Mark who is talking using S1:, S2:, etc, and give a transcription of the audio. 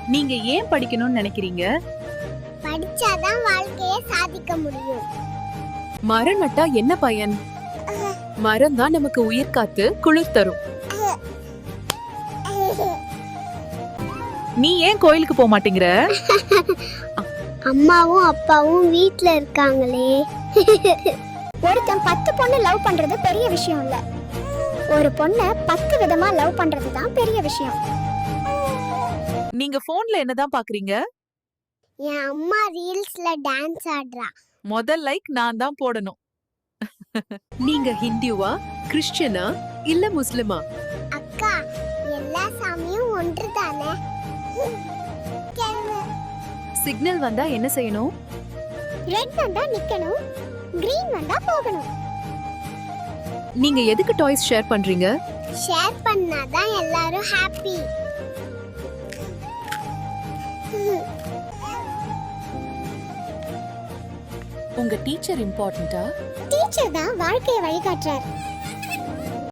S1: நீங்க ஏன் படிக்கணும்னு நினைக்கிறீங்க?
S2: படிச்சாதான் வாழ்க்கையை சாதிக்க முடியும்.
S3: மரம் நட்டா என்ன பயன்? மரம் தான் நமக்கு உயிர் காத்து குளிர் தரும்.
S1: நீ ஏன் கோயிலுக்கு போக மாட்டேங்கிற?
S2: அம்மாவும் அப்பாவும் வீட்ல இருக்காங்களே. ஒருத்தன் 10 பொண்ணு லவ் பண்றது பெரிய விஷயம் இல்ல. ஒரு பொண்ண 10 விதமா லவ் பண்றது தான் பெரிய விஷயம்.
S1: நீங்க போன்ல என்னதான் பாக்குறீங்க?
S2: என் அம்மா ரீல்ஸ்ல டான்ஸ் ஆடுறா.
S1: முதல் லைக் நான் தான் போடணும்.
S3: நீங்க ஹிந்துவா, கிறிஸ்டியனா இல்ல முஸ்லிமா?
S2: அக்கா, எல்லா சாமியும் ஒன்றுதானே.
S3: சிக்னல் வந்தா என்ன செய்யணும்?
S2: ரெட் வந்தா நிக்கணும், கிரீன் வந்தா போகணும்.
S3: நீங்க எதுக்கு டாய்ஸ் ஷேர் பண்றீங்க?
S2: ஷேர் பண்ணாதான் எல்லாரும் ஹாப்பி.
S3: உங்க டீச்சர் இம்பார்ட்டன்ட்டா?
S2: டீச்சர் தான் வாழ்க்கையை வழிகாட்டுறார்.